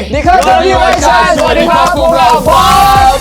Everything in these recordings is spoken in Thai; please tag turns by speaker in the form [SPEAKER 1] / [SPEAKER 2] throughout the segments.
[SPEAKER 1] ดีครับสวัสดีสวัสดีครับพวกเราบ๊อบ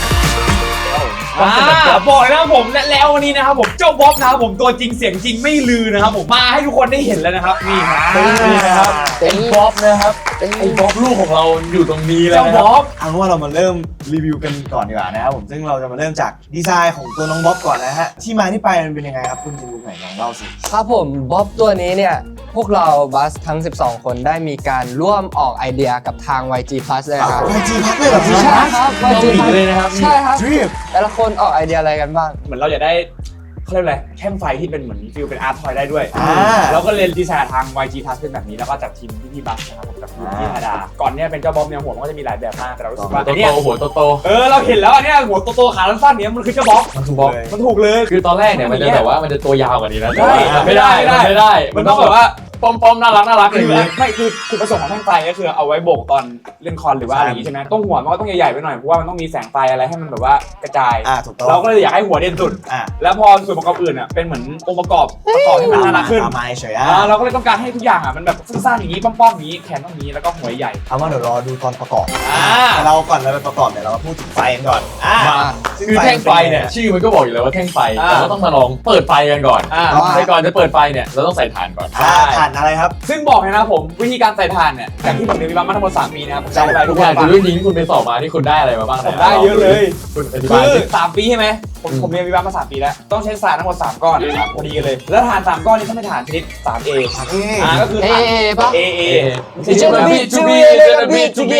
[SPEAKER 2] บอกเลยนะครับผมแล้ววันนี้นะครับผมเจ้าบ๊อบนะครับผมตัวจริงเสียงจริงไม่ลือนะครับผมมาให้ทุกคนได้เห็นแล้วนะครับนี่นะครับ
[SPEAKER 1] ไอ้บ๊อบนะครับไอ้บ๊อบลูกของเราอยู่ตรงนี้แล้ว
[SPEAKER 2] เจ้าบ๊อบ
[SPEAKER 3] เอาว่าเรามาเริ่มรีวิวกันก่อนดีกว่านะครับผมซึ่งเราจะมาเริ่มจากดีไซน์ของตัวน้องบ๊อบก่อนนะฮะที่มาที่ไปมันเป็นยังไงครับคุณจินบุ๊กไหนลองเล่าสิ
[SPEAKER 1] ครับผมบ๊อบตัวนี้เนี่ยพวกเราบัสทั้ง12คนได้มีการร่วมออกไอเดียกับทาง YG Plus เลยครับ
[SPEAKER 3] YG Plus เลยเหรอพี่
[SPEAKER 1] ใช่ครับ YG Plus
[SPEAKER 2] เลยนะครับ
[SPEAKER 1] ใช่ครับ
[SPEAKER 3] ทริป
[SPEAKER 1] แต่ละคนออกไอเดียอะไรกันบ้าง
[SPEAKER 2] เหมือนเราอยากได้เขาเรียกอะไรแท่งไฟที่เป็นเหมือนฟิลเป็นอาร์ตทอยได้ด้วย
[SPEAKER 3] อ่า
[SPEAKER 2] แล้วก็เลยดีไซน์ทาง YG Plus เป็นแบบนี้แล้วก็จากทีมพี่บัสนะครับผมจากทีมพี่ธาดาก่อนเนี่ยเป็นเจ้าบ๊อบเนี่ยหัวมันก็จะมีหลายแบบมากแต่เรารู้สึกว่าเนี่ย
[SPEAKER 4] หัวโต
[SPEAKER 2] เราเห็นแล้วอันเนี้ยหัวโตๆขาสั้นๆเนี่ยมันคือเจ้าบ๊อบ
[SPEAKER 3] มันถูกเลย
[SPEAKER 2] มันถูกเลย
[SPEAKER 4] คือตอนแรกเนี่ยมันจะแบบว่ามันจะตัวยาวกว่านี้นะ
[SPEAKER 2] ไม่ได้ มันต้องแบบว่า
[SPEAKER 4] ป้อมๆน่ารักอย่างนี้
[SPEAKER 2] ไม่คือจุดประสงค์ของแท่งไฟก็คือเอาไว้โบกตอนเล่นคอนหรือว่าอะไรอย่างงี้ใช่ไหมต้องหัวมันก็ต้องใหญ่ๆไปหน่อยเพราะว่ามันต้องมีแสงไฟอะไรให้มันแบบว่ากระจาย
[SPEAKER 3] ถูกต้อง
[SPEAKER 2] เราก็เลยอยากให้หัวเด่นสุด
[SPEAKER 3] อ่า
[SPEAKER 2] แล้วพอส่วนประกอบอื่นอ่ะเป็นเหมือนองค์ประกอบให้มันน่ารักขึ้น
[SPEAKER 3] ตามมาเฉย
[SPEAKER 2] เราก็เลยต้องการให้ทุกอย่างอ่ะมันแบบสั้นๆอย่างนี้ป้อมๆอย่างนี้แขนต้องอย่างนี้แล้วก็หัวใหญ่
[SPEAKER 3] เอาว่าเดี๋ยวรอดูตอนประกอบ
[SPEAKER 2] อ่า
[SPEAKER 3] แต่เราก่อนเราไปประกอบเนี่ยเรามาพูดถึงไฟกันก่อนซึ่ง
[SPEAKER 4] คือแท่งไฟเนี่ยชื่อมันก็บอกอยู่แล้วว่าแท่งไฟเราก็ต้องมาลองเปิดไฟกันก่อน
[SPEAKER 2] อ่า
[SPEAKER 4] แต่ก่อนจะเปิดไฟเนี่ยเราต้องใส่ถ่านก่อน
[SPEAKER 3] ถ่านอะไรครับ
[SPEAKER 2] ซึ่งบอกเลยนะครับผมวิธีการใส่ถ่านเนี่ยจากที่ผมเรียนวิศวะมาทั้งหมด3 ปีนะครับผมใช้ไป
[SPEAKER 4] ทุ
[SPEAKER 2] ทุ
[SPEAKER 4] ก
[SPEAKER 2] ก
[SPEAKER 4] อ
[SPEAKER 2] อย่า
[SPEAKER 4] ย่าง งคือเรื่องนี้ที่คุณไปสอบมาที่คุณได้อะไรมาบ้าง
[SPEAKER 2] ได้เยอะเลย
[SPEAKER 4] คุณอธิ
[SPEAKER 2] คื
[SPEAKER 4] บาย
[SPEAKER 2] อ
[SPEAKER 4] สิ
[SPEAKER 2] 3 ปีใช่ไหมผมเรียนวิศวะมา3 ปีแล้วต้องใช้ถ่านทั้งหมด3 ก้อนพอดีกันเลยแล้วถ่าน3 ก้อนนี้ต้องเป็นถ่านชนิด 3A ก็คือ
[SPEAKER 1] เอ
[SPEAKER 2] ถ่าน
[SPEAKER 1] เอป่ะ
[SPEAKER 2] AA
[SPEAKER 1] เจนบีจูบีจูบี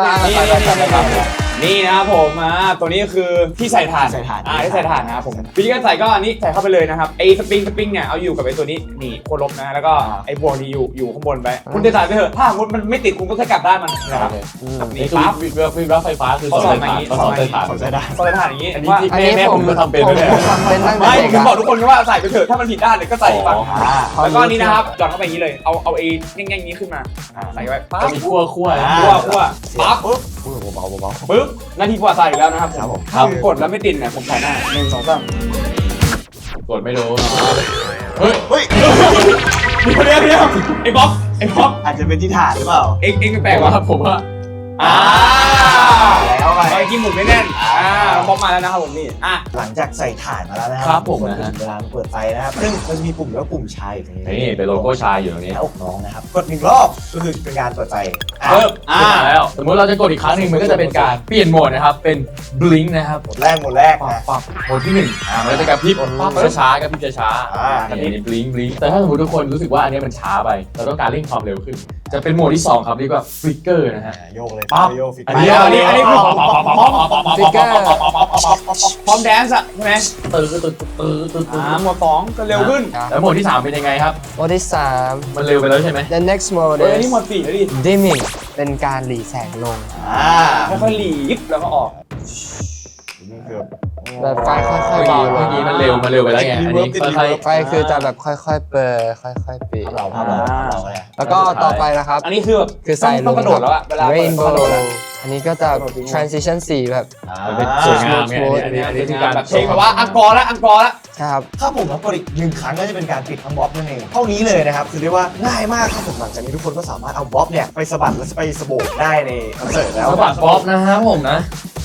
[SPEAKER 2] นี่นะครับผมตัวนี้คือที่ใส่ถ่าน
[SPEAKER 3] ใส่ถ่าน
[SPEAKER 2] ที่ใส่ถ่านนะครับผมวิธีการใส่ก็อันนี้ใส่เข้าไปเลยนะครับไอ้สปริงเนี่ยเอาอยู่กับไอ้ตัวนี้นี่โคลบนะแล้วก็ไอ้บวงนี่อยู่ข้างบนไปคุณจะใส่ไปเถอะถ้าสมมติมันไม่ติดคุณก็แค่กลับด้านมันนะครับ
[SPEAKER 4] นี่
[SPEAKER 2] นี่
[SPEAKER 4] คือ
[SPEAKER 2] ปั๊บ
[SPEAKER 4] วิบวับไฟฟ้าคือสอนใส่ถ่านสอนใส่ถ่าน
[SPEAKER 3] ผมใช้ได้
[SPEAKER 2] ใส่ถ่านอย่างนี้
[SPEAKER 4] อันนี้
[SPEAKER 2] ว่า
[SPEAKER 4] ที่
[SPEAKER 1] อันนี้
[SPEAKER 4] แม่ผมก็ทำเป็นด้วยเนี่ย
[SPEAKER 1] ผมทำเป็นตั้งแต่
[SPEAKER 2] ไม่
[SPEAKER 1] เด็ก
[SPEAKER 2] ผม
[SPEAKER 1] อะ
[SPEAKER 2] บอกทุกคนว่าใส่ไปเถอะถ้ามันผิดด้านเลยก็ใส่อีกฝั่ง
[SPEAKER 1] อ๋อ
[SPEAKER 2] แล้วก็นี่นะครับหย่อนเข้าไปอย่างนี้เลยเอาไอ้แง่งๆนี้ขึ้นมาใส่ไว้ปั๊
[SPEAKER 4] จะ
[SPEAKER 2] บ
[SPEAKER 4] มีคั่ว
[SPEAKER 2] คั่วปั๊บปุ๊บ
[SPEAKER 3] เบา
[SPEAKER 2] ปึ๊บหน้าที่กว่าใส่อีกแล้วนะครับ
[SPEAKER 3] ครับผม
[SPEAKER 2] ถ้ากดแล้วไม่ติดเนี่ยผมใส่หน้า1 2 3
[SPEAKER 4] กดไม่รู้เฮ้ย
[SPEAKER 3] เฮ้ย
[SPEAKER 2] เดี๋ยวไอ้บ๊อบ
[SPEAKER 3] อาจจะเป็นที่ถ่านหรือเปล่า
[SPEAKER 2] เอ็งแปลก
[SPEAKER 4] แต่
[SPEAKER 2] ว่ะ
[SPEAKER 4] ว่าผมว่า
[SPEAKER 3] แล้วไป
[SPEAKER 2] ไปกินหมุนไม่แน่นบ๊อบมาแล้วนะครับผมนี่
[SPEAKER 3] หลังจากใส่ถ่านมาแล้วนะค
[SPEAKER 4] ครั
[SPEAKER 3] รับ
[SPEAKER 4] ผมนะฮะ
[SPEAKER 3] เวลาเปิดไฟนะครับซึ่งมันจะมีปุ่มแล้วปุ่มชายอยู่ตรงนี้
[SPEAKER 4] นี่เป็นโลโก้ชายอยู่ตรงนี้
[SPEAKER 3] หน้าอกน้องนะครับกด1 รอบก็คือเป็นการเปิดไฟ
[SPEAKER 2] เพิ่ม
[SPEAKER 4] แล้วสมมติเราจะกดอีกครั้งหนึ่งมันก็จะเป็นการเปลี่ยนโหมดนะครับเป็น blink นะครับ
[SPEAKER 3] หมดแรกนะ
[SPEAKER 4] ปั๊บโหมดที่1มันจะกระพริบช้าๆกระพริบช้าๆอันนี้ blink แต่ถ้าสมมติทุกคนรู้สึกว่าอันนี้มันช้าไปเราต้องการเร่งความเร็วขึ้น จะเป็นโหมดที่2ครับเรียกว่า flicker นะฮะ
[SPEAKER 3] โยกเลย
[SPEAKER 4] ปั๊บ
[SPEAKER 3] โยกฟิก
[SPEAKER 4] อันนี้คือ
[SPEAKER 1] ฟิกเกอร์
[SPEAKER 2] พร้อมแดนซ์อะใช่ไหม
[SPEAKER 4] ตื้อ
[SPEAKER 2] หมวด2ก็เร็วขึ้น
[SPEAKER 4] แล้วโหมดที่3เป็นยังไงครับ
[SPEAKER 1] โหมดที่3
[SPEAKER 4] มันเร็วไปแล้วใช่ไหม
[SPEAKER 1] the next mode
[SPEAKER 2] นี่
[SPEAKER 1] is
[SPEAKER 2] หมวด4แล้วดิ
[SPEAKER 1] dimming เป็นการหลีแสงลง
[SPEAKER 2] ค่อยๆหลีบแล้วก็ออก
[SPEAKER 3] นี่คือ
[SPEAKER 1] แบบไฟค่อยๆเบาล
[SPEAKER 4] เมื่
[SPEAKER 1] ง
[SPEAKER 4] อกี้มันเร็วไปแล้วไงอันนี้ค่อย
[SPEAKER 1] ไฟคือจะแบบค่อยๆเปิดค่อยๆปิด
[SPEAKER 3] เราเลย
[SPEAKER 1] แล้วก็ต่อไปนะครับ
[SPEAKER 2] อันนี้คือแบบ
[SPEAKER 1] คือใส่ล
[SPEAKER 2] ต้อง งกระโดดแล้วอะเวลา
[SPEAKER 1] rainbow
[SPEAKER 2] กระโดดอะ
[SPEAKER 1] อันนี้ก็จะ transition สีแบบ
[SPEAKER 4] มันเป็นสวยงามไงอันนี้คือการ
[SPEAKER 2] แบบเพลงแบบว่าอังกอร์ละ
[SPEAKER 1] ครับ
[SPEAKER 3] ถ้าผมกดอีก1 ครั้งก็จะเป็นการปิดทั้งบ๊อบนั่นเองเท่านี้เลยนะครับคือเรียกว่าง่ายมากครับผมหลังจากนี้ทุกคนก็สามารถเอาบ๊อบเนี่ยไปสะบัดและไปสะโบกได้ในคอนเสิร์ตแล้ว
[SPEAKER 4] สะบัดบ๊อบนะครับผมนะ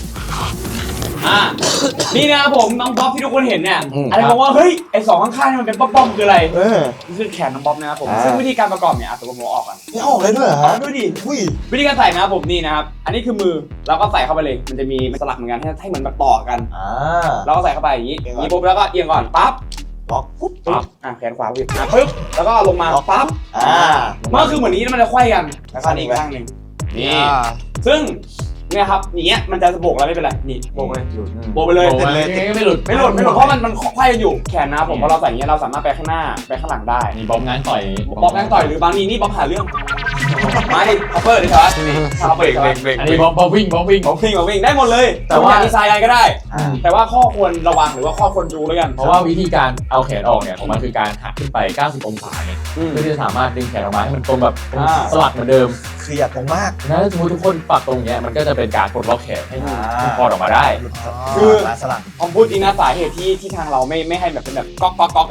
[SPEAKER 2] นี่นะครับผมน้องบ๊อบที่ทุกคนเห็นเนี่ย
[SPEAKER 1] อืม
[SPEAKER 2] อะไรบอกว่าเฮ้ยไอ้2ข้างๆนี่มันเป็นป้อมๆคืออะไร
[SPEAKER 3] นี่
[SPEAKER 2] คือแขนน้องบ๊อบนะครับผมซึ่งวิธีการประกอบเนี่ยสมมติผมออกก่อน
[SPEAKER 3] ออกเลยด้วยเหรอฮะ
[SPEAKER 2] ดูดิ
[SPEAKER 3] อุ้ย
[SPEAKER 2] วิธีการใส่นะครับผมนี่นะครับอันนี้คือมือเราก็ใส่เข้าไปเลยมันจะมีสลักเหมือนกันให้เหมือนแบบต่อกันเราก็ใส่เข้าไปอย่างนี้ปุ๊บแล้วก็เอียงก่อนปั๊บ
[SPEAKER 3] ล็อกปุ๊บ
[SPEAKER 2] ปั๊บแขนขวาปุ๊บปึ๊บแล้วก็ลงมาปั๊บ มันก็คือเหมือนนี้มันจะไขว้กันแล้วก็นี่อีกข้างหนึ่งนี่ซึ่งเนี่ยครับอย่างเงี้ยมันจะโบกแล้วไม่เป็นไรนี่โบกเลยโบกไปเลย
[SPEAKER 4] ไม่หลุด
[SPEAKER 2] ไม่หลุดเพราะมันไขว้กันอยู่แขนนะผมพอเราใส่อย่างเงี้ยเราสามารถไปข้างหน้าไปข้างหลังได้
[SPEAKER 4] นี่บ๊อบง้างต่อย
[SPEAKER 2] บ๊อบแม่งต่อยหรือบางทีนี่บ๊อบหาเรื่องมาดิคัพเปอร์ดิครับคัพเปอร์ครับ
[SPEAKER 4] อันนี้บ๊อบวิ่ง
[SPEAKER 2] บ๊อบวิ่งได้หมดเลยแต่ว่าดีไซน์อะไรก็ได้ แต่ว่าข้อควรระวังหรือว่าข้อควรดูแล้วกัน
[SPEAKER 4] เพราะว่าวิธีการเอาแขนออกเนี่ยของมันคือการหักขึ้นไป 90 องศาเนี่ยเพื่อที่จะสามารถดึงแขนออกมาให้มันตรงแบบสลักเหมือนเดิม
[SPEAKER 3] คืออย่าตรงมาก
[SPEAKER 4] นะถ้าสมมติทุกคนปักตรงเนี้ยมันก็จะเป็นการปลดล็อกแขนให้คลอดออกมาได้
[SPEAKER 3] คือสลัก
[SPEAKER 2] ผมพูดจริงนะสาเหตุที่ทางเราไม่ให้แบบเป็นแบบก๊อกอ่ะ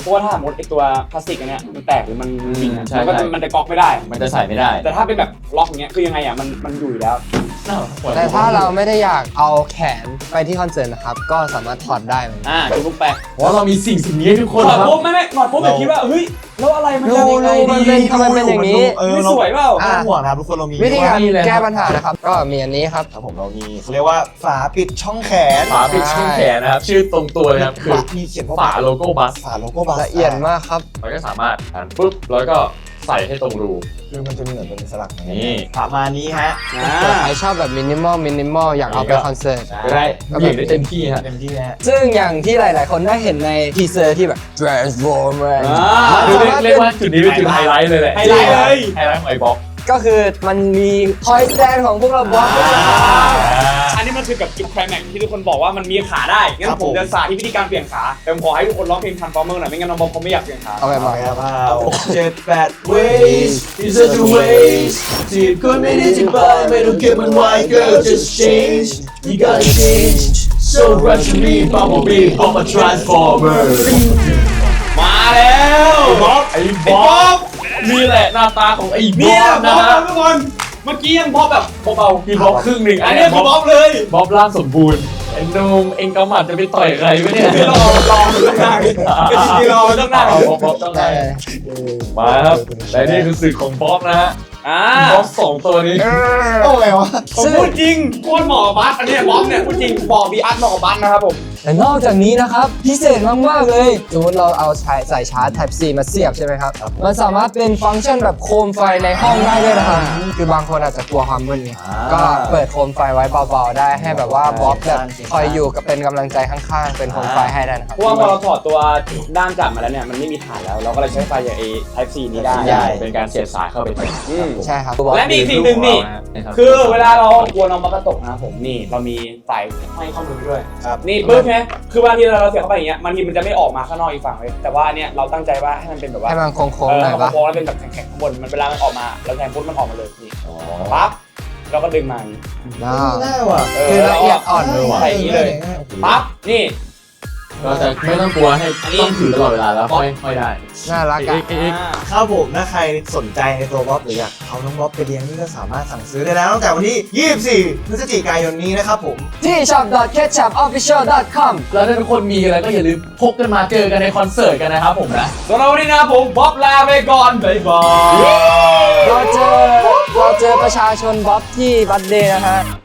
[SPEAKER 2] เพราะว่าถ้าสมมติไอตัวพลาสติกอันเนี้ยมันแตกหรือมันจริงอะ
[SPEAKER 4] ใช่
[SPEAKER 2] มันจะก๊อกไม่ได้
[SPEAKER 4] มันจะใส่ไม่ได้
[SPEAKER 2] แต่ถ้าเป็นแบบล็อกอย่างเงี้ยคือยังไงอ่ะมันอยู่อยู่แล้ว
[SPEAKER 1] แต่ถ้าเราไม่ได้อยากเอาแขนไปที่คอนเสิร์ตนะครับ ก็สามารถถอดได้เหมือนกัน
[SPEAKER 2] ดูปุ๊บไป
[SPEAKER 4] เพราะเรามีสิ่งนี้ให้ทุกคน
[SPEAKER 2] ถอด
[SPEAKER 4] ครับ
[SPEAKER 2] ปุ๊บไม่ถอดปุ๊บแบบคิดว่าเฮ้ยแล้วอะไรมันจะยังไง
[SPEAKER 1] มัน
[SPEAKER 2] ดี
[SPEAKER 1] เป็นทำไมเป็นอย่างนี้
[SPEAKER 2] ไม่สวยเปล่า
[SPEAKER 3] ไม่ต้องห่วงนะครับทุกคนเรามี
[SPEAKER 1] วิธีการ
[SPEAKER 4] มีเลยครับ
[SPEAKER 1] แก้ปัญหานะครับ ก็มีอันนี้ครับ
[SPEAKER 3] ครับผมเรามีเขาเรียกว่าฝาปิดช่องแขน
[SPEAKER 4] ฝาปิดช่องแขนนะครับ ชื่อตรงตัวเลยครับคือ
[SPEAKER 3] มีเขียนว่า
[SPEAKER 4] ฝาโลโก้บัส
[SPEAKER 3] ฝาโลโก้บัส
[SPEAKER 1] ละเอียดมากครับ
[SPEAKER 4] เราก็สามารถหันปุ๊บแล้วก็ใส่ให้ตรงรู
[SPEAKER 3] คือมันจะเหมือนเป็นสลักอย่าง
[SPEAKER 4] นี่
[SPEAKER 3] ประมาณนี้ฮะ
[SPEAKER 1] ใครชอบแบบมินิมอลอยากเอาไปคอนเสิร์ต
[SPEAKER 4] ก็ได้เบี่ยงได้เต็มที่ฮะ
[SPEAKER 3] เต็มที่นะฮะ
[SPEAKER 1] ซึ่งอย่างที่หลาย ๆ คนได้เห็นในทีเซอร์ที่แบบ Transformer
[SPEAKER 4] คือเรียกว่าจุดนี้เป็นจุดไฮไลท์เลยแหละ
[SPEAKER 2] ไฮไลท์เลย
[SPEAKER 4] ไฮไลท์ของไอ้บ็อก
[SPEAKER 1] ก็คือมันมีทอยแ a นของพวกเราบล็อก
[SPEAKER 2] อันนี้มันคือกับจุดไคลแม็กซ์ที่ทุกคนบอกว่ามันมีขาได้งั้นผมจะสาธิตวิธีการเปลี่ยนขาแต่ผมขอให้ทุกคนร้องเพลง Transformer หน่อยไม่งั้นน้องบอมเขาไม่อยากเปลี่ยนขา
[SPEAKER 1] เอาไปมา
[SPEAKER 3] ครับ7-8
[SPEAKER 4] ways is such a waste ที่คนไม่ได้ที่ไปไม่ต้องเก็บมันไว้ girl just change you gotta change so rush to me bumblebee I'm a transformer
[SPEAKER 2] มาแล้วบ๊อบ
[SPEAKER 4] ไอ้บ๊อบนี่แหละหน้าตาของไอ้บ๊
[SPEAKER 2] นี่
[SPEAKER 4] อ
[SPEAKER 2] แหละ
[SPEAKER 4] บ
[SPEAKER 2] บ๊
[SPEAKER 4] นะ
[SPEAKER 2] อบ
[SPEAKER 4] ฮะ
[SPEAKER 2] ทุกคนเมื่อกี้ยังบ๊อบแบบเบา
[SPEAKER 4] พี่บ๊อบครึ่งหนึ่ง
[SPEAKER 2] ๆอันนี้คือบ๊อบเลย
[SPEAKER 4] บ๊อบร่างสมบูรณ์ไอ้หนุ่มเอ็งกำหมัดจะไปต่อยใครวะเนี่ย
[SPEAKER 2] รอต้องนั่งที่รอต้องนั่ง
[SPEAKER 4] เอาบ๊อบต้องได้มาครับและนี่คือสื่อของบ๊อบนะฮะบ๊อบสองตัวนี้
[SPEAKER 3] โอ้ไงวะ
[SPEAKER 2] ผมพูดจริงโคตรเหมาะกับบัสอันนี้บ๊อบเนี่ยพูดจริงบอกบีอาร์ตเหมาะกับบัสนะครับผม
[SPEAKER 1] แต่นอกจากนี้นะครับพิเศษมาก ๆ เลยสมมติเราเอาใส่ชาร์จ Type C มาเสียบใช่ไหมครับ มันสามารถเป็นฟังก์ชันแบบโคมไฟในห้องได้ด้วยนะครับ คือบางคนอาจจะกลัวความมืดไงก็เปิดโคมไฟไว้เบา ๆ ได้ให้แบบว่าบ๊อบแบบคอยอยู่กับเป็นกำลังใจข้าง ๆ เป็นโคมไฟให้ได้นะครับ
[SPEAKER 2] เพราะว่าพอเราถอดตัวด้านจับมาแล้วเนี่ยมันไม่มีฐานแล้วเราก็เลยใช้ไฟอย่าง Type C นี้ได้
[SPEAKER 4] เป็นการเสียบสายเข้าไปแทน
[SPEAKER 1] ใช่ครับ
[SPEAKER 2] และมีอีกสิ่งหนึ่งนี่คือเวลาเรากลัวน้องบัสกระตกนะครับผมนี่เรามีสายห้อยข้อมือด้วย
[SPEAKER 3] ครับ
[SPEAKER 2] นี่ปึ๊บใช่ไหมคือบางทีเราเสียบเข้าไปอย่างเงี้ยบางทีมันจะไม่ออกมาข้างนอกอีกฝั่งเลยแต่ว่าอันเนี้ยเราตั้งใจว่าให้มันเป็นแบบว่า
[SPEAKER 1] ให้มันโค้งๆหน่อยปะ
[SPEAKER 2] โค้งๆแล้วเป็นแบบแข็งๆข้างบนมันเวลามันออกมาเราแทงปุ๊บมันออกมาเลยนี่ปั๊บเราก็ดึงมาอย่างนี้
[SPEAKER 3] ได้ว่ะ
[SPEAKER 1] คือละเอียดอ่อนเลยว่ะ
[SPEAKER 2] ใส่อย่างนี้เลยปั๊บนี่
[SPEAKER 4] เราจะไม่ต้องกลัวให้ต้องถือตลอดเวลาแล้วค่อยได้
[SPEAKER 1] น่ารักอ่ะ
[SPEAKER 3] ครับผมถ้าใครสนใจในตัวบ๊อบหรืออยากเอาน้องบ๊อบไปเลี้ยงนี่ก็สามารถสั่งซื้อได้แล้วตั้งแต่วันที่ 24 พฤศจิกายนนี้นะครับผม
[SPEAKER 1] ที่ shop.ketchupofficial.com
[SPEAKER 4] แล้วถ้าทุกคนมีอะไรก็อย่าลืมพกกันมาเจอกันในคอนเสิร์ตกันนะครับผมนะ
[SPEAKER 2] สำหรับวันนี้นะครับผมบ๊อบลาไปก่อนบ๊ายบาย
[SPEAKER 1] เราเจอประชาชนบ๊อบที่บัตเดย์นะฮะ